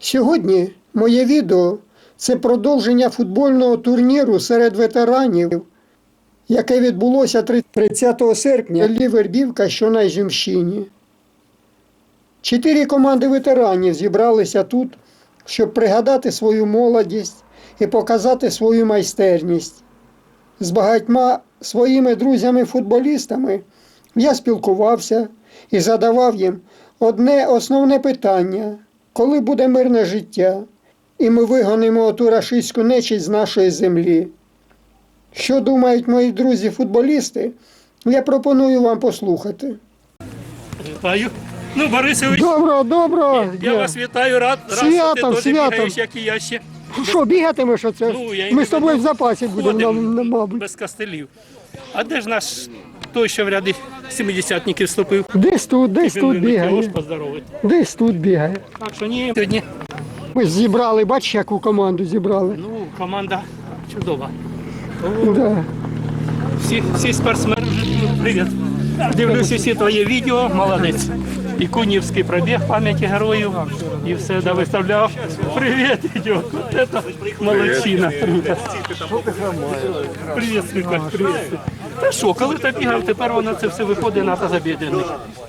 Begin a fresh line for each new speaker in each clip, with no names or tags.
Сьогодні моє відео – це продовження футбольного турніру серед ветеранів, яке відбулося 30 серпня в Вербівка, що на Ізюмщині. 4 команди ветеранів зібралися тут, щоб пригадати свою молодість і показати свою майстерність. З багатьма своїми друзями-футболістами я спілкувався і задавав їм одне основне питання – коли буде мирне життя, і ми вигонимо оту рашистську нечисть з нашої землі. Що думають мої друзі-футболісти, я пропоную вам послухати.
Вітаю. Ну, Борисович,
Доброго.
я вас вітаю, рад, що ти теж бігаєш, як і я ще.
Що, бігатимеш оце? Ми з тобою в запасі будемо, мабуть.
Без костелів. А де ж наш той, що в ряди 70-ників вступив?
Десь тут бігає. Десь тут бігає.
Так що ні, сьогодні.
Ми зібрали, бачиш, яку команду зібрали?
Ну, команда чудова.
Да.
Всі спортсмени, привіт. Дивлюся всі твої відео, молодець. І кунівський пробіг пам'яті героїв, і все виставляв. Привіт, Ідьок, от це молодчина. Привіт, Свікаль, привіт. Та що, коли ти бігав, тепер воно це все виходить на тазобєдрений.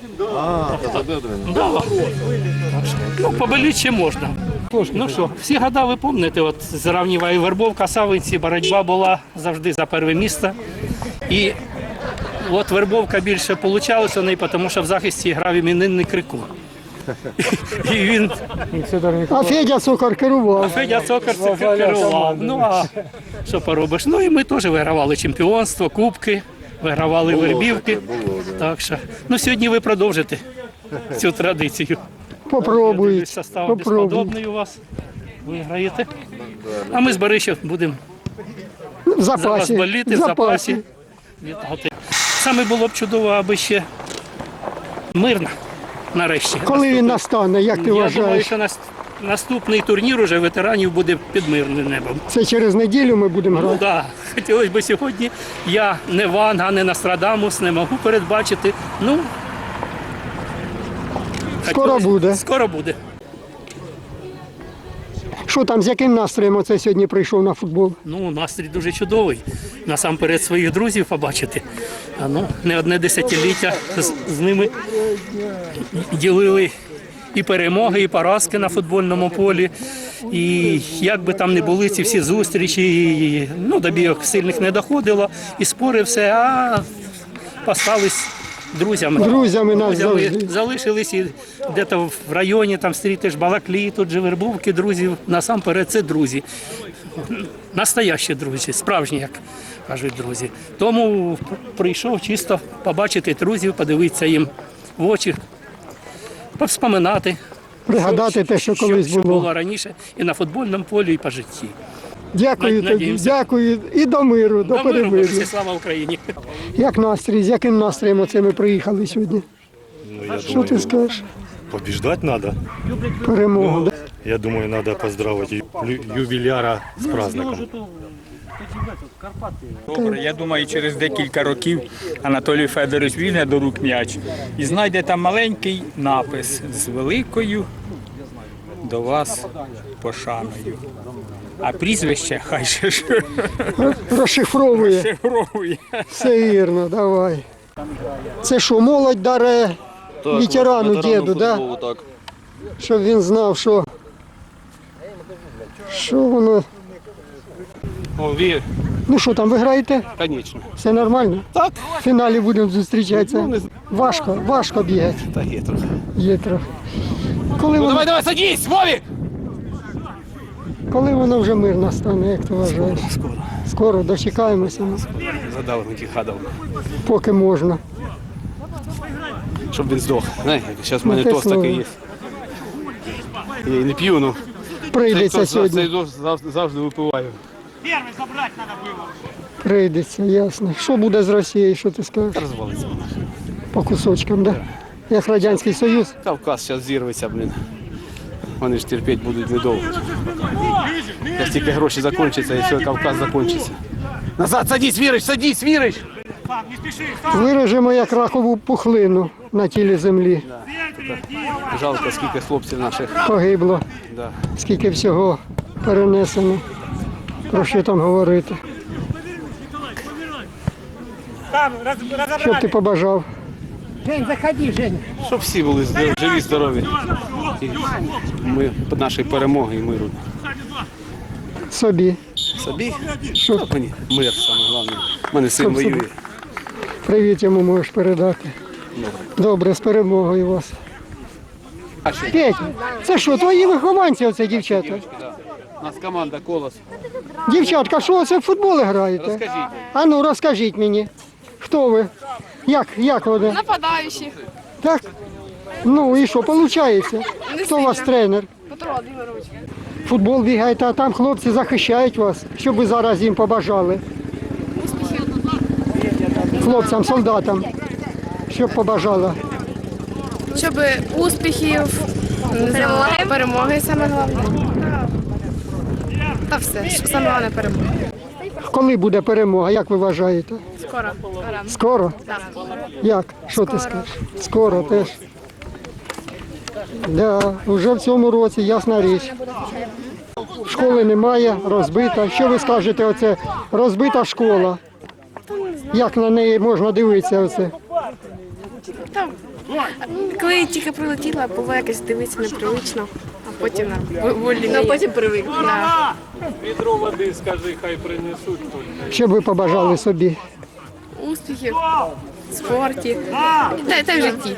Да. Ну, поболіти ще можна. Ну що, всі года ви пам'ятаєте, от зрівнюваю Вербовка, Савинці, боротьба була завжди за перше місце. І от Вербовка більше вийшло в неї, тому що в захисті грав іменинний Крикун. І він...
А Федя Цокар керував.
керував. Ну, а що поробиш? Ну, і ми теж вигравали чемпіонство, кубки, вигравали Вербівки. Так що, ну, сьогодні ви продовжите цю традицію.
Попробують.
Состав безподобний у вас. Виграєте. А ми з Борисом будемо за вас боліти, в запасі. Вітати. Саме було б чудово, аби ще мирно, нарешті.
Коли він настане, як ти вважаєш?
Я думаю, що наступний турнір уже ветеранів буде під мирним небом.
Це через неділю ми будемо грати?
Ну так, хотілося б сьогодні. Я не Ванга, не Нострадамус, не можу передбачити. Ну,
скоро буде.
Скоро буде.
Що там, з яким настроєм оце сьогодні прийшов на футбол?
Ну, настрій дуже чудовий. Насамперед своїх друзів побачити. А ну, не одне десятиліття з ними ділили і перемоги, і поразки на футбольному полі. І як би там не були ці всі зустрічі, і, ну, до бійок сильних не доходило, і спори все, а постались друзями.
Друзями нас завжди.
Залишились і десь в районі там стрітиш Балаклії, тут же Вербовки, друзів. Насамперед це друзі. Настоящі друзі, справжні, як кажуть друзі. Тому прийшов чисто побачити друзів, подивитися їм в очі, повспоминати.
Пригадати те, що колись
що
було.
було раніше і на футбольному полі, і по житті.
Дякую тобі, дякую і до миру, до перемир'я.
Слава Україні!
Як настрій, з яким настроєм оце ми приїхали сьогодні? Що ти скажеш?
Побеждать надо.
Перемогу. Да?
Я думаю, надо поздравить юбиляра с праздником.
Добре, я думаю, через декілька років Анатолій Федорович візьме до рук м'яч і знайде там маленький напис з великою до вас пошаною. А прізвище хай ще
Розшифровує.
шифровує.
Все вірно, давай. Це що, молодь даре ветерану діду, да?
Так.
Щоб він знав, що воно. Ну що там, ви граєте?
Конечно.
Все нормально?
Так.
В фіналі будемо зустрічатися. Важко бігати.
Та є трохи.
Є трохи. Коли воно,
Давай, садись, Вовик!
коли воно вже мир настане, як ти вважаєш? Скоро дочекаємося,
Задав на хадав,
поки можна.
щоб він здох. Зараз в мене
те
тост
слово.
такий є. Я і не п'ю, ну.
Прийдеться
Цей
сьогодні.
тост завжди випиваю.
Прийдеться, ясно. Що буде з Росією, що ти скажеш?
Розвалиться.
По кусочкам, да? Як Радянський Союз.
Кавказ зараз зірветься, блін. Вони ж терпіти будуть недовго. Як тільки гроші закінчаться і все, Кавказ закінчиться. Назад, садись, Вірич!
Виражемо як ракову пухлину на тілі землі.
Жалко, скільки хлопців наших.
Погибло.
Да.
Скільки всього перенесено. Про що там говорити? Що б ти побажав?
Щоб всі були живі, здорові. І ми нашої перемоги і миру.
Собі.
Собі?
Що?
Та мені мир саме головне. У мене син
Щоб собі.
воює.
Привіт йому можеш передати. Добре, з перемогою вас.
А що?
Петя, це що, твої вихованці оце дівчата?
У нас команда «Колос».
Дівчатка, що це в футбол граєте?
Розкажіть.
А ну розкажіть мені, хто ви? Як вони?
Нападаючі.
Так? Ну і що, виходить? Хто у вас тренер?
Петро Володимирович.
Футбол бігаєте, а там хлопці захищають вас. Що б ви зараз їм побажали? Хлопцям, солдатам. Що б побажала?
Щоб успіхів, перемоги саме головне. Та все, що саме головне перемога.
Коли буде перемога, як ви вважаєте?
Скоро.
Скоро?
Так.
Як? Що ти скажеш? Скоро теж. Да, вже в цьому році, ясна річ. Школи немає, розбита. Що ви скажете, оце розбита школа? Як на неї можна дивитися оце?
Там, коли тільки прилетіла, було якось дивитися непривично, а потім волі. Ну, потім привик. Да.
Відро води, скажи, хай принесуть.
Що б ви побажали собі?
Успіхів в спорті та й в житті.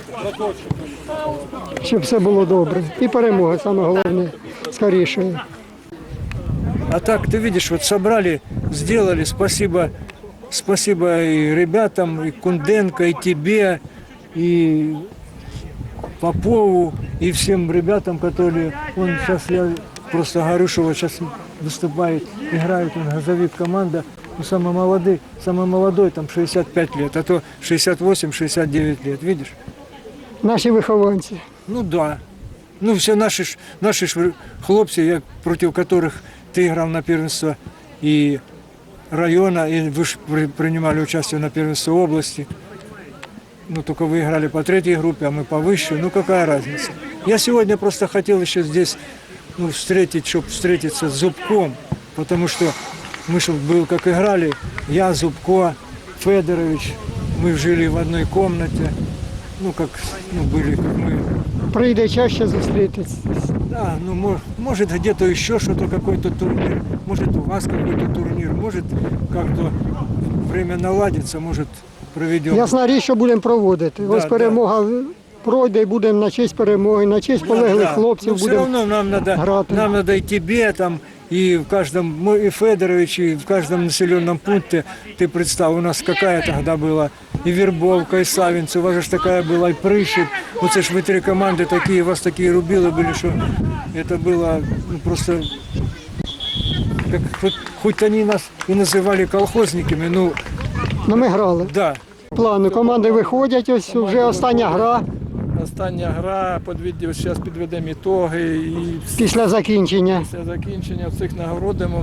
Щоб все було добре. І перемога, саме головне, скоріше.
А так, ты видишь, вот собрали, сделали, спасибо и ребятам, и Кунденко, и тебе, и Попову, и всем ребятам, которые, он сейчас, я просто говорю, что вот сейчас выступает, играет, он газовик команда, ну, самый молодой, там 65 лет, а то 68-69 лет, видишь?
Наші вихованці.
Ну да. Ну все наші ж хлопці, як, проти яких ти грав на первенство і района, і ви ж приймали участь на первенстве области. Ну только вы играли по третьей группе, а мы по высшей. Ну какая разница? Я сегодня просто хотел еще здесь встретиться с Зубком, потому что мы же был как играли, я, Зубко, Федорович, мы жили в одной комнате. Ну, были, как мы.
Прийде чаще зустрітись.
Да, ну, может, где-то еще что-то, какой-то турнир, может, у вас какой-то турнир, может, как-то время наладится, может, проведем.
Ясна річ, що будемо проводити. Ось
Да,
перемога пройде і будемо на честь перемоги, на честь полеглих хлопців
Но все
будемо.
равно
грати.
нам надо и тебе, там, и в каждом, и Федорович, и в каждом населенном пункте, ты представь, у нас какая тогда была и Вербовка, и Савинцы, у вас же такая была, и Прыщик. Вот это ж вы три команды такие, у вас такие рубилы были, что это было просто, как, хоть они нас и называли колхозниками, ну,
Ну, ми грали.
да.
Плани. Команди виходять, ось вже остання гра
Остання гра, зараз підведемо ітоги і
після закінчення.
після закінчення всіх нагородимо,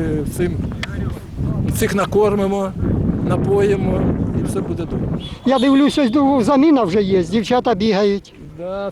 всіх накормимо, напоїмо і все буде добре.
Я дивлюсь, ось заміна вже є, дівчата бігають.
Да,